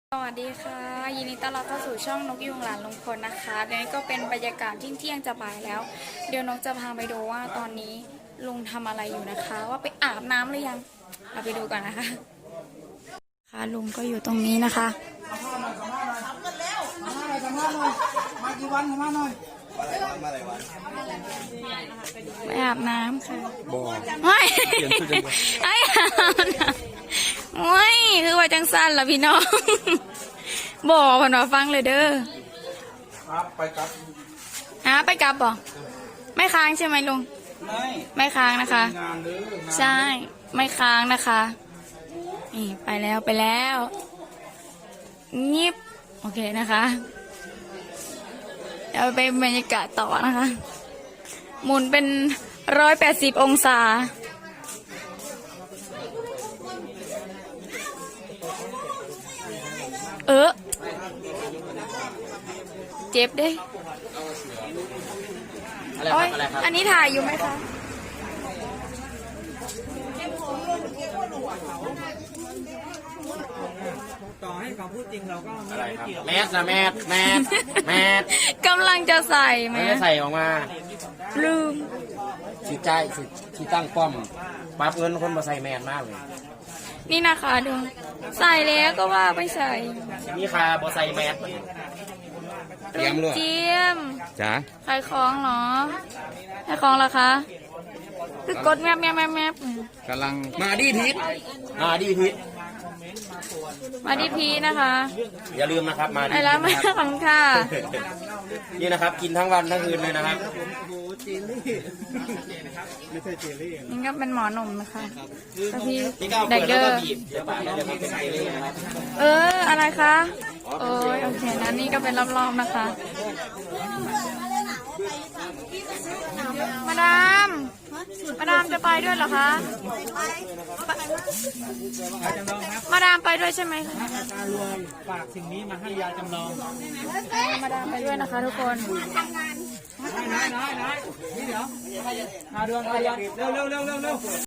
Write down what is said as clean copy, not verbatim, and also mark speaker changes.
Speaker 1: สวัสดีค่ะยินดีต้อนรับเข้าสู่ช่องนกยุงหลานลุงพลนะคะเดี๋ยวนี้ก็เป็นบรรยากาศเที่ยงจะบ่ายแล้วเดี๋ยวนกจะพาไปดูว่าตอนนี้ลุงทำอะไรอยู่นะคะ ว่าไปอาบน้ำหรือยังเราไปดูกันนะคะค่ะลุงก็อยู่ตรงนี้นะคะ
Speaker 2: มากี่วันมาหน่อย
Speaker 1: ไปอาบน้ำค่ะ
Speaker 2: บ่
Speaker 1: ไม่ไอ้อาบน้ำไม่คือว่าจังสั้นละพี่น้องบอกผ่านมาฟังเลยเด้อ
Speaker 2: ครับไปกับ
Speaker 1: ไปกลับบ่ไม่ค้างใช่ไหมลุงไม่ค้างนะคะ
Speaker 2: งานเด้อ
Speaker 1: ใช่ไม่ค้างนะคะนี่ไปแล้วงิบโอเคนะคะเดี๋ยวไปบรรยากาศต่อนะคะหมุนเป็น180 องศาเจ็บเด้โอ้ยอันนี้ถ่ายอยู่ไหมคะ
Speaker 2: ต่อให้เขาพูดจริงเราก็ไม่เกี่ยว
Speaker 3: แมสนะแมส
Speaker 1: กำลังจะใส่ไหม
Speaker 3: ไม่ได้ใส่ออกมา
Speaker 1: ลืม
Speaker 3: สีใจสีตั้งป้อมปั๊บเงินคนมาใส่แมสมากเลย
Speaker 1: นี่นะคะดูใส่แล้วก็ว่าไม่ใส่
Speaker 3: นี่คาบอใส่แมสเตรียมเลย
Speaker 1: เจียม
Speaker 3: จ้า
Speaker 1: ขายของเหรอขายของเหรอคะคือกดแมบ
Speaker 3: กำลังมาดีทิศมาดีทิศ
Speaker 1: มาดีพีนะคะ
Speaker 3: อย่าลืมนะครับมาดี
Speaker 1: ไอ้
Speaker 3: ทิศ
Speaker 1: แล้วมา
Speaker 3: นะครับ
Speaker 1: ขอบคุณค่ะ
Speaker 3: นี่นะครับกินทั้งวันทั้งคืนเลยนะครับ
Speaker 2: ไม่ใช่เจลลี่
Speaker 1: นี่ก็เป็นหมอหนุ่มนะคะแล้วพี่
Speaker 3: นี่ก็เอา
Speaker 1: เด็
Speaker 3: เปิ
Speaker 1: ก
Speaker 3: ด
Speaker 1: เด
Speaker 3: แล้ว
Speaker 1: อ
Speaker 3: ก็
Speaker 1: ร์
Speaker 3: บีบเดี๋ยวปากจะเป็นเจลลี่นะครับ
Speaker 1: อะไรคะโอ้ยโอเคนะนี่ก็เป็นรอบๆนะคะมาดามจะไปด้วยเหรอคะมาดามไปด้วยใช่ไหมคะ
Speaker 2: ตารวยฝากสิ่งนี้มาให้ยาจำลอง
Speaker 1: มาดามไปด้วยนะคะทุกคน
Speaker 2: น้อยนี่เดี๋ยวมาดวงเร็ว